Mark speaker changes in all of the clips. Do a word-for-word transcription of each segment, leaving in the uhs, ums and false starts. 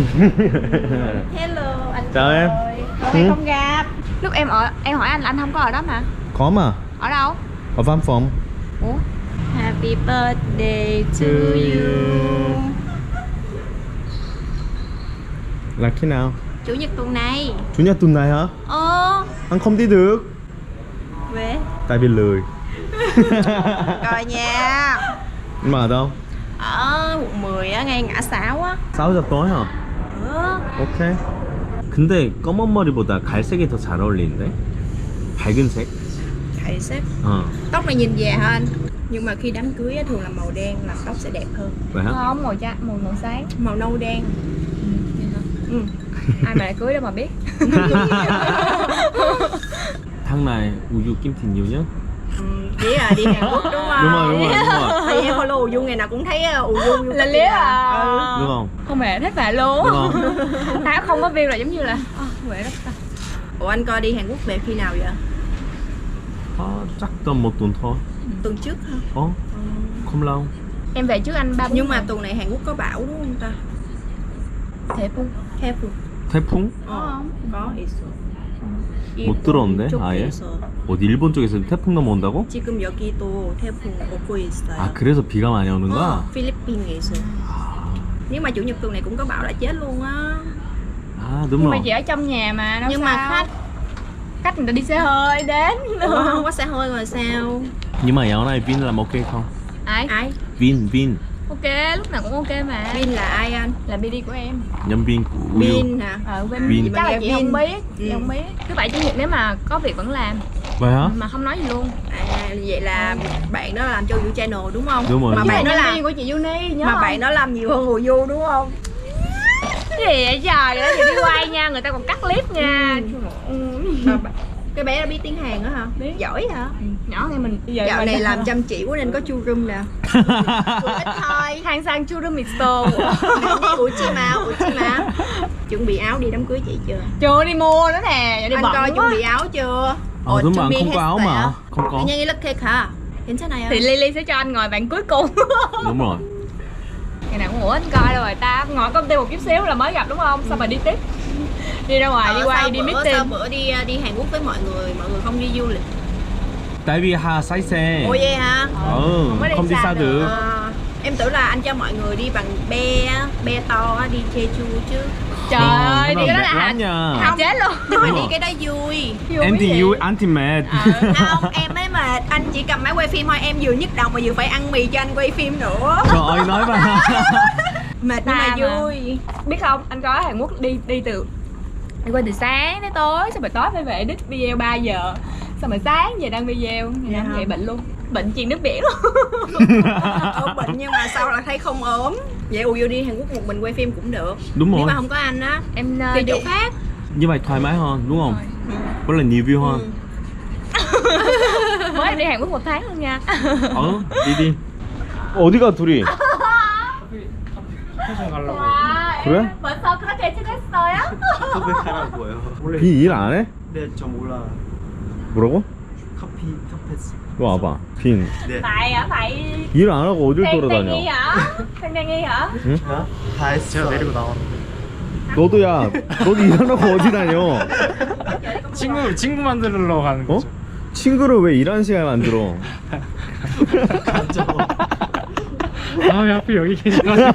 Speaker 1: Hello anh.
Speaker 2: Chào em.
Speaker 1: Lâu nay không gặp. Lúc em ở em hỏi anh là anh không có ở đó mà.
Speaker 2: Có mà.
Speaker 1: Ở đâu?
Speaker 2: Ở văn phòng.
Speaker 1: Ủa? Happy birthday to you.
Speaker 2: Là khi nào?
Speaker 1: Chủ nhật tuần này.
Speaker 2: Chủ nhật tuần này hả?
Speaker 1: Ờ.
Speaker 2: Anh không đi được.
Speaker 1: Về.
Speaker 2: Tại vì lười.
Speaker 1: Rồi nha.
Speaker 2: Nhưng mà ở đâu?
Speaker 1: Ở quận mười á, ngay ngã sáu á.
Speaker 2: sáu giờ tối hả?
Speaker 1: Ừ.
Speaker 2: 오케이. 근데 검은 머리보다 갈색이 더 잘 어울리는데? 밝은 색?
Speaker 1: Thầy sếp.
Speaker 2: 어.
Speaker 1: Tóc này nhìn già hơn. Nhưng mà khi đám cưới á, thường là màu đen là tóc sẽ đẹp hơn.
Speaker 2: Vậy hả?
Speaker 1: Không, màu da, màu màu sáng. Màu nâu đen. Ừ. Ai mà lại cưới đâu mà biết.
Speaker 2: Tháng này uyu kim thì nhiều nhất.
Speaker 1: Ừ, chỉ là đi Hàn Quốc đúng không?
Speaker 2: Đúng rồi, đúng rồi, đúng rồi.
Speaker 1: Tại vì em follow Uju ngày nào cũng thấy Uju là lý à. Ừ.
Speaker 2: Đúng không?
Speaker 1: Không hề thích vả luôn.
Speaker 2: Đúng không?
Speaker 1: Áo không có view là giống như là à, vậy đó. Ủa anh coi đi Hàn Quốc về khi nào vậy?
Speaker 2: À, chắc tầm một tuần thôi.
Speaker 1: Tuần trước hả?
Speaker 2: Ồ, không lâu.
Speaker 1: Em về trước anh ba Nhưng mà tuần này Hàn Quốc có bão đúng không ta? 태풍. 태풍.
Speaker 2: 태풍?
Speaker 1: 어, có 있어.
Speaker 2: 못 들었는데 아예? 어디 일본 쪽에서 태풍 넘어온다고?
Speaker 1: 지금 여기도 태풍 오고 있어요.
Speaker 2: 아 그래서 비가 많이 오는 거야?
Speaker 1: 필리핀에 있어. Nếu mà chủ nhật tuần này cũng có bão là chết luôn á.
Speaker 2: À đúng
Speaker 1: Nhưng
Speaker 2: rồi.
Speaker 1: mà chị ở trong nhà mà đâu. Nhưng sao? Mà khách khách người ta đi xe hơi đến. Ủa, không có xe hơi rồi sao?
Speaker 2: Nhưng mà dạo này Vin làm ok không?
Speaker 1: Ai? Ai?
Speaker 2: Vin, Vin.
Speaker 1: Ok, lúc nào cũng ok mà. Vin là ai anh? Là bê đê của em.
Speaker 2: Nhân viên của Uyu.
Speaker 1: Vin hả? Ờ, Vin.
Speaker 2: Vin.
Speaker 1: Chắc là chị
Speaker 3: Vin.
Speaker 1: không biết. Chị
Speaker 3: Ừ.
Speaker 1: không biết. Thứ bảy chủ nhật nếu mà có việc vẫn làm.
Speaker 2: Vậy hả?
Speaker 1: Mà không nói gì luôn. À, vậy là bạn đó làm cho Uyu channel đúng không?
Speaker 2: Đúng rồi.
Speaker 1: Mà bạn đó
Speaker 3: nhân
Speaker 1: làm
Speaker 3: viên của chị Uni nhớ
Speaker 1: mà
Speaker 3: không?
Speaker 1: bạn đó làm nhiều hơn Uyu đúng không?
Speaker 3: Cái gì vậy trời, đó chị đi quay nha, người ta còn cắt clip nha.
Speaker 1: Ừ. Mà bạn- cái bé đó biết tiếng Hàn đó hả? Biết. Giỏi hả?
Speaker 3: Nhỏ hơn mình.
Speaker 1: Dạo này làm chăm chỉ quá nên có chu room nè. Ít thôi.
Speaker 3: hàng sang chu rumi store.
Speaker 1: Ủa chi mà, ủa chi mà. Chuẩn bị áo đi đám cưới chị chưa?
Speaker 3: Chưa đi mua nữa nè, đi
Speaker 1: Anh
Speaker 3: bận
Speaker 1: coi
Speaker 3: quá.
Speaker 1: chuẩn bị áo chưa?
Speaker 2: 아 đúng mà anh không có áo mà. Không có.
Speaker 1: 그냥 이렇게 가. 괜찮아요.
Speaker 3: Thì Lily sẽ cho anh ngồi bạn cuối cùng.
Speaker 2: Đúng rồi.
Speaker 3: Ngày nào cũng ủa anh coi rồi ta ngồi công ty một chút xíu là mới gặp đúng không? Xong rồi đi tiếp. Đi ra ngoài,
Speaker 1: Ờ,
Speaker 3: đi quay,
Speaker 1: sao
Speaker 3: đi
Speaker 1: bữa,
Speaker 3: meeting.
Speaker 1: sao bữa đi đi Hàn Quốc với mọi người, mọi người không đi du lịch.
Speaker 2: Tại vì Hà say xe.
Speaker 1: Ủa vậy hả?
Speaker 2: Ừ,
Speaker 3: Không có đi
Speaker 2: không đi
Speaker 3: xa
Speaker 2: xa
Speaker 3: được.
Speaker 2: được.
Speaker 1: Ờ, em tưởng là anh cho mọi người đi bằng be, be to á, đi Jeju chứ.
Speaker 3: Trời ơi, đi cái đó là
Speaker 2: lắm
Speaker 3: Hà
Speaker 2: nha.
Speaker 3: Hà chết luôn.
Speaker 1: Nhưng mà
Speaker 2: Đúng
Speaker 1: đi
Speaker 2: rồi.
Speaker 1: cái đó vui.
Speaker 2: Em thì yêu anh thì mệt.
Speaker 1: Không, em ấy mà anh chỉ cầm máy quay phim thôi, em vừa nhức đầu mà vừa phải ăn mì cho anh quay phim nữa.
Speaker 2: Trời ơi nói mà.
Speaker 1: Mệt nhưng mà
Speaker 3: Ta mà.
Speaker 1: vui.
Speaker 3: Biết không, anh có ở Hàn Quốc đi đi từ đi qua từ sáng đến tối, xong rồi tối phải về edit video ba giờ, xong rồi sáng về đăng video, ngày
Speaker 1: Dạ
Speaker 3: nào
Speaker 1: hả?
Speaker 3: vậy bệnh luôn, bệnh truyền nước biển luôn.
Speaker 1: Ốm bệnh nhưng mà sao là thấy không ốm. Vậy Uyu đi Hàn Quốc một mình quay phim cũng được.
Speaker 2: Đúng
Speaker 1: Nếu
Speaker 2: rồi.
Speaker 1: mà không có anh á,
Speaker 3: Em uh,
Speaker 1: đi
Speaker 3: đi
Speaker 1: chỗ khác.
Speaker 2: Như vậy thoải mái hơn đúng không? Có là nhiều view hơn.
Speaker 3: mới em đi Hàn Quốc một tháng luôn nha.
Speaker 2: Ờ, đi đi. 어디가 둘이?
Speaker 3: 와,
Speaker 2: 그래?
Speaker 3: 벌써 그렇게 친했어요?
Speaker 4: 고백하라고요. 원래
Speaker 2: 비 일 안 해?
Speaker 4: 네, 저 몰라.
Speaker 2: 뭐라고?
Speaker 4: 커피 카페스.
Speaker 2: 너 와봐. 빈.
Speaker 4: 네.
Speaker 3: Tại ở phải
Speaker 2: 일 안 하고 어딜
Speaker 3: đang, đang nghi
Speaker 2: 돌아다녀?
Speaker 3: hả? Đang đang nghi hả?
Speaker 2: 응?
Speaker 4: 제가 다 했어. 제가 내리고 나왔는데.
Speaker 2: 너도야. 너도 일 안 하고 어디 다녀?
Speaker 4: 친구 친구 만들러 가는
Speaker 2: 어?
Speaker 4: 거죠.
Speaker 2: 친구를 왜 일하는 시간에 만들어?
Speaker 4: 아, 왜 하필 여기 계셔가지고.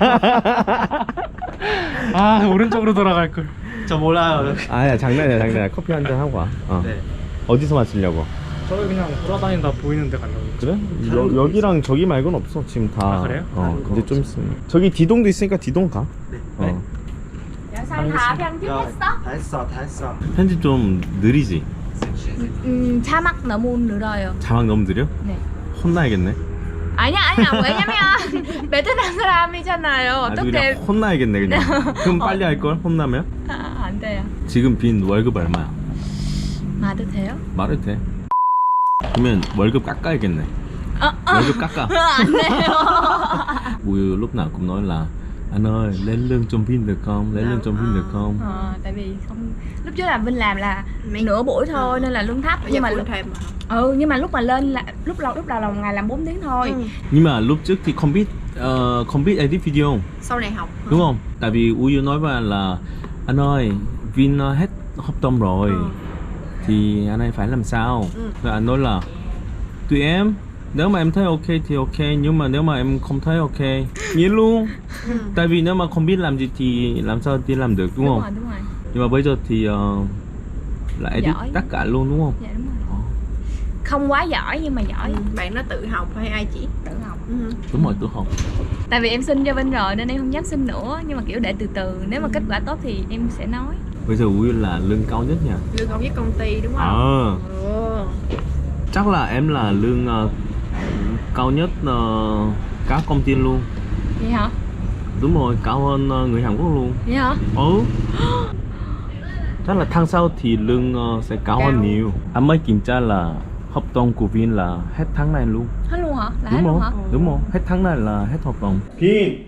Speaker 4: 아, 오른쪽으로 돌아갈 걸. 저 몰라요.
Speaker 2: 아야 장난이야 장난이야. 커피 한 잔 하고 와. 어.
Speaker 4: 네.
Speaker 2: 어디서 마시려고?
Speaker 4: 저희 그냥 돌아다니다 보이는 데 가려고.
Speaker 2: 그래? 여, 여기랑 저기 말고는 없어 지금 다.
Speaker 4: 아, 그래요?
Speaker 2: 어
Speaker 4: 다른
Speaker 2: 근데
Speaker 4: 거
Speaker 2: 좀 있으면 저기 디동도 있으니까 디동 가.
Speaker 4: 네.
Speaker 2: 어.
Speaker 3: Dạ sao anh Thà 편집했어?
Speaker 4: 다 했어, 다 했어.
Speaker 2: 편집 좀 느리지?
Speaker 3: 음, 자막 너무 늘어요.
Speaker 2: 자막 너무 느려?
Speaker 3: 네.
Speaker 2: 혼나야겠네.
Speaker 3: 아니야 아니야 왜냐면 베트남 사람이잖아요.
Speaker 2: 아주
Speaker 3: 어떻게
Speaker 2: 그냥 혼나야겠네 그냥. 그럼 빨리 할 걸? 혼나면?
Speaker 3: 아, 안 돼요.
Speaker 2: 지금 빈 월급 얼마야?
Speaker 3: 말도 돼요?
Speaker 2: 말해도 돼. 그러면 월급 깎아야겠네.
Speaker 3: Ờ,
Speaker 2: 월급 깎아.
Speaker 3: Anh 돼요.
Speaker 2: Uyu lúc nào cũng nói là anh ơi lên lương trong phim được không, lên lương trong phim được không?
Speaker 3: Ờ, tại vì không lúc trước là Vinh làm là nửa buổi thôi nên là lương thấp, nhưng mà lúc
Speaker 1: thêm mà.
Speaker 3: ừ nhưng mà lúc mà lên là lúc đầu lúc đầu là một ngày làm bốn tiếng thôi.
Speaker 1: Ừ.
Speaker 2: Nhưng mà lúc trước thì không biết uh, không biết edit video
Speaker 1: Sau này học
Speaker 2: đúng không? Tại vì Uyu nói với anh là anh ơi Vin uh, hết hợp đồng rồi,
Speaker 1: Ừ.
Speaker 2: thì anh ấy phải làm sao?
Speaker 1: Ừ.
Speaker 2: Rồi anh nói là tùy em, nếu mà em thấy ok thì ok, nhưng mà nếu mà em không thấy ok nghĩa luôn.
Speaker 1: Ừ.
Speaker 2: Tại vì nếu mà không biết làm gì thì làm sao đi làm được đúng,
Speaker 3: Đúng
Speaker 2: không?
Speaker 3: rồi, đúng rồi.
Speaker 2: Nhưng mà bây giờ thì uh, là edit
Speaker 3: Giỏi.
Speaker 2: tất cả luôn đúng không?
Speaker 3: Dạ đúng rồi. Không quá giỏi nhưng mà giỏi.
Speaker 1: Ừ. Bạn nó tự học hay ai chỉ?
Speaker 3: Tự học.
Speaker 1: Ừ.
Speaker 2: Đúng rồi, tôi học.
Speaker 3: Tại vì em xin cho Vinh rồi nên em không dám xin nữa, nhưng mà kiểu để từ từ, nếu mà kết quả tốt thì em sẽ nói.
Speaker 2: Bây giờ Uyu là lương cao nhất nha.
Speaker 1: Lương công với công ty đúng không?
Speaker 2: Ờ.
Speaker 1: Ừ.
Speaker 2: Chắc là em là lương uh, cao nhất uh, các công ty luôn.
Speaker 3: Vậy hả?
Speaker 2: Đúng rồi, cao hơn uh, người Hàn Quốc luôn.
Speaker 3: Vậy hả?
Speaker 2: Ừ. Chắc là tháng sau thì lương uh, sẽ cao,
Speaker 1: Cao.
Speaker 2: hơn nhiều. Anh mới kiểm tra là hợp đồng của Vin là hết tháng này luôn.
Speaker 3: Hết luôn hả? Là
Speaker 2: Đúng
Speaker 3: hết luôn
Speaker 2: rồi,
Speaker 3: hả?
Speaker 2: đúng rồi, hết tháng này là hết hợp đồng. Vin.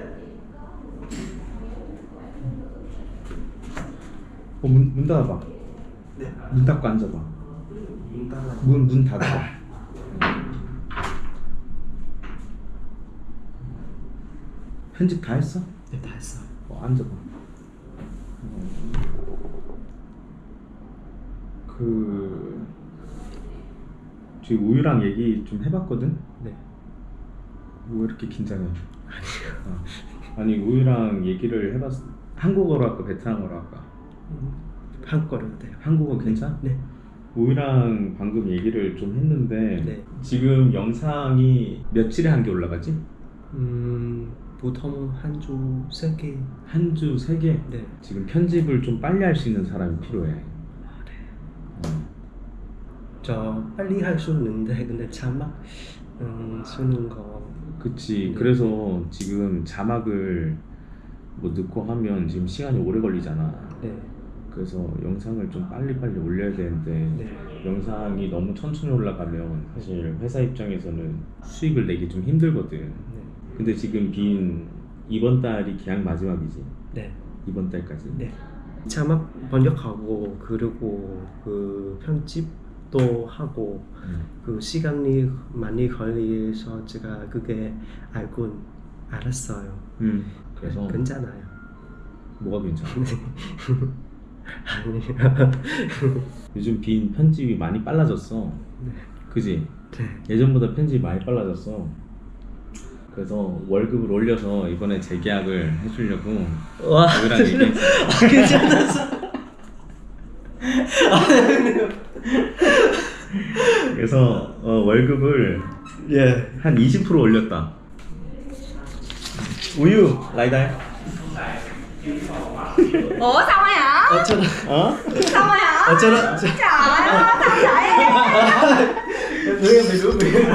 Speaker 2: 어, 문, 문 닫아봐.
Speaker 4: 네.
Speaker 2: 문 닫고 앉아봐.
Speaker 4: 문 닫아.
Speaker 2: 문, 문 닫아봐. 편집 다 했어?
Speaker 4: 네, 다 했어.
Speaker 2: 어, 앉아봐. 그 지금 우유랑 얘기 좀 해봤거든?
Speaker 4: 네.
Speaker 2: 왜 이렇게 긴장해? 어. 아니 우유랑 얘기를 해봤어. 한국어로 할까 베트남어로 할까?
Speaker 4: 한국어로 돼요.
Speaker 2: 한국어 괜찮아?
Speaker 4: 네.
Speaker 2: 우유랑 방금 얘기를 좀 했는데
Speaker 4: 네.
Speaker 2: 지금 영상이 며칠에 한 개 올라가지?
Speaker 4: 음, 보통 한 주 세 개.
Speaker 2: 한 주 세 개?
Speaker 4: 네.
Speaker 2: 지금 편집을 좀 빨리 할 수 있는 사람이 필요해.
Speaker 4: 아, 네.
Speaker 2: 어.
Speaker 4: 저 빨리 할 수 있는데 근데 자막 음, 쓰는 거.
Speaker 2: 그치.
Speaker 4: 네.
Speaker 2: 그래서 지금 자막을 뭐 넣고 하면 지금 시간이 오래 걸리잖아.
Speaker 4: 네.
Speaker 2: 그래서 영상을 좀 빨리빨리 올려야 되는데
Speaker 4: 네.
Speaker 2: 영상이 너무 천천히 올라가면 사실 회사 입장에서는 수익을 내기 좀 힘들거든.
Speaker 4: 네.
Speaker 2: 근데 지금 빈 이번 달이 계약 마지막이지.
Speaker 4: 네.
Speaker 2: 이번 달까지.
Speaker 4: 네. 자막 번역하고 그리고 그 편집도 하고
Speaker 2: 음.
Speaker 4: 그 시간이 많이 걸려서 제가 그게 알고 알았어요.
Speaker 2: 음. 그래서
Speaker 4: 괜찮아요.
Speaker 2: 뭐가 괜찮아?
Speaker 4: 아니요.
Speaker 2: 요즘 빈 편집이 많이 빨라졌어.
Speaker 4: 네.
Speaker 2: 그지?
Speaker 4: 네.
Speaker 2: 예전보다 편집이 많이 빨라졌어. 그래서 월급을 올려서 이번에 재계약을 해주려고
Speaker 4: 와,
Speaker 2: 우유랑 얘기했어.
Speaker 4: 괜찮았어.
Speaker 2: 그래서 어, 월급을
Speaker 4: 예.
Speaker 2: 한 이십 퍼센트 올렸다. 우유 라이다.
Speaker 3: Ủa sao vậy hả?
Speaker 4: 어쩌다.
Speaker 2: 어?
Speaker 3: Sao vậy hả?
Speaker 4: 어쩌다.
Speaker 3: Trời ơi, sao vậy?
Speaker 4: 왜, 왜, 왜.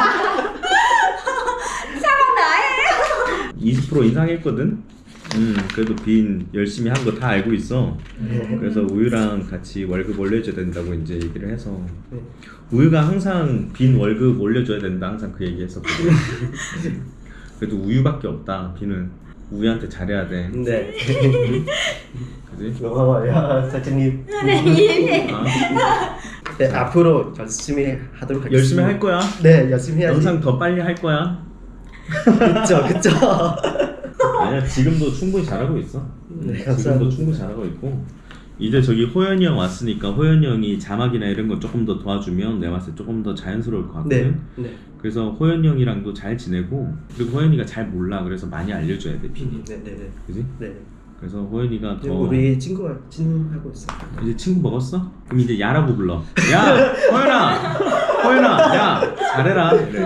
Speaker 3: Sao không đợi em?
Speaker 2: 이십 퍼센트 인상했거든. 음 그래도 빈 열심히 한 거 다 알고 있어. 그래서 우유랑 같이 월급 올려줘야 된다고 이제 얘기를 해서
Speaker 4: 네.
Speaker 2: 우유가 항상 빈 월급 올려줘야 된다 항상 그 얘기했었거든. 그래도 우유밖에 없다. 빈은 우유한테 잘해야 돼.
Speaker 4: 네.
Speaker 2: 그지?
Speaker 4: 고마워요, 사장님.
Speaker 2: 아,
Speaker 4: 네, 앞으로 열심히 하도록 하겠습니다.
Speaker 2: 열심히 할 거야.
Speaker 4: 네, 열심히 해야지.
Speaker 2: 영상 더 빨리 할 거야.
Speaker 4: 그쵸, 그쵸.
Speaker 2: 아니야 지금도 충분히 잘하고 있어.
Speaker 4: 네,
Speaker 2: 지금도
Speaker 4: 감사합니다.
Speaker 2: 충분히 잘하고 있고 이제 저기 호연이 형 왔으니까 호연이 형이 자막이나 이런 거 조금 더 도와주면 내가 봤을 때 조금 더 자연스러울 것 같거든.
Speaker 4: 네, 네.
Speaker 2: 그래서 호연이 형이랑도 잘 지내고 그리고 호연이가 잘 몰라. 그래서 많이 알려줘야 돼 빈이.
Speaker 4: 네, 네, 네.
Speaker 2: 그지?
Speaker 4: 네.
Speaker 2: 그래서 호연이가 더
Speaker 4: 우리 친구가 친하고 있어요.
Speaker 2: 이제 친구 먹었어? 그럼 이제 야라고 불러. 야 호연아 호연아 야 잘해라. 그래.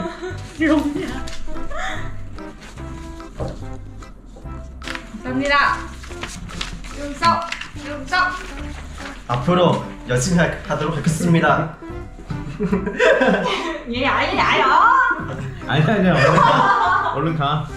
Speaker 3: 감사합니다. 윤석, 윤석.
Speaker 4: 앞으로 열심히 하, 하도록 하겠습니다.
Speaker 3: Vậy vậy vậy rồi.
Speaker 2: 아니야 아니야 얼른 가. 얼른 가.